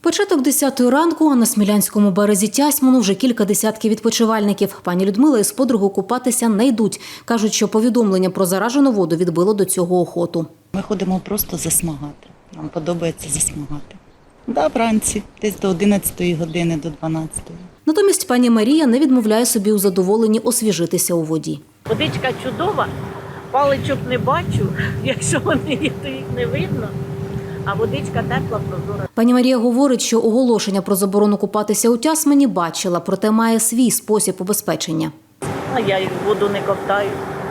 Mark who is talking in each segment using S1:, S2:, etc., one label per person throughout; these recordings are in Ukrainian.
S1: Початок 10-ї ранку, а на Смілянському березі Тясмину вже кілька десятків відпочивальників. Пані Людмила із подругою купатися не йдуть. Кажуть, що повідомлення про заражену воду відбило до цього охоту.
S2: Ми ходимо просто засмагати. Нам подобається засмагати. Да, вранці, десь до 11-ї години, до 12-ї.
S1: Натомість пані Марія не відмовляє собі у задоволенні освіжитися у воді.
S3: Водичка чудова, паличок не бачу, якщо вони є, то їх не видно. А водичка тепла, прозора.
S1: Пані Марія говорить, що оголошення про заборону купатися у Тясмині бачила, проте має свій спосіб убезпечення.
S3: А я їх в воду не ковтаю.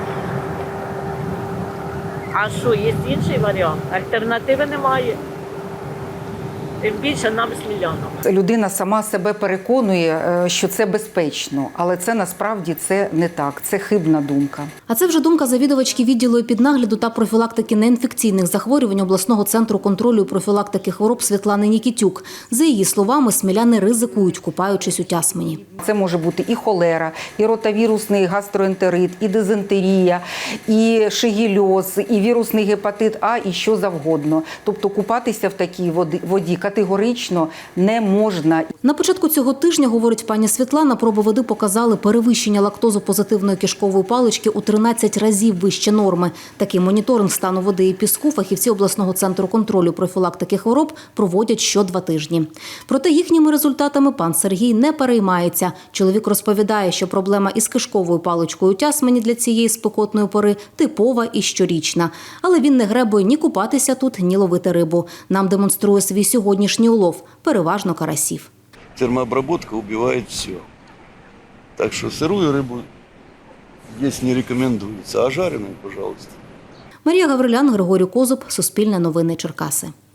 S3: А що, є інший варіант? Альтернативи немає. Тим більше нам смілянам.
S4: Людина сама себе переконує, що це безпечно, але це насправді це не так, це хибна думка.
S1: А це вже думка завідувачки відділу епіднагляду та профілактики неінфекційних захворювань обласного центру контролю і профілактики хвороб Світлани Нікітюк. За її словами, сміляни ризикують, купаючись у Тясмині.
S4: Це може бути і холера, і ротавірусний гастроентерит, і дизентерія, і шигельоз, і вірусний гепатит А, і що завгодно. Тобто купатися в такій воді категорично не можна.
S1: На початку цього тижня, говорить пані Світлана, проби води показали перевищення лактозопозитивної кишкової палички у 13 разів вище норми. Такий моніторинг стану води і піску фахівці обласного центру контролю і профілактики хвороб проводять що 2 тижні. Проте їхніми результатами пан Сергій не переймається. Чоловік розповідає, що проблема із кишковою паличкою у Тясмині для цієї спекотної пори типова і щорічна. Але він не гребує ні купатися тут, ні ловити рибу. Нам демонструє свій сьогоднішній улов, переважно карасів.
S5: Термообработка убивает все. Так что сырую рыбу есть не рекомендуется, а жареную, пожалуйста.
S1: Марія Гаврилян, Григорій Козуб, Суспільне новини, Черкаси.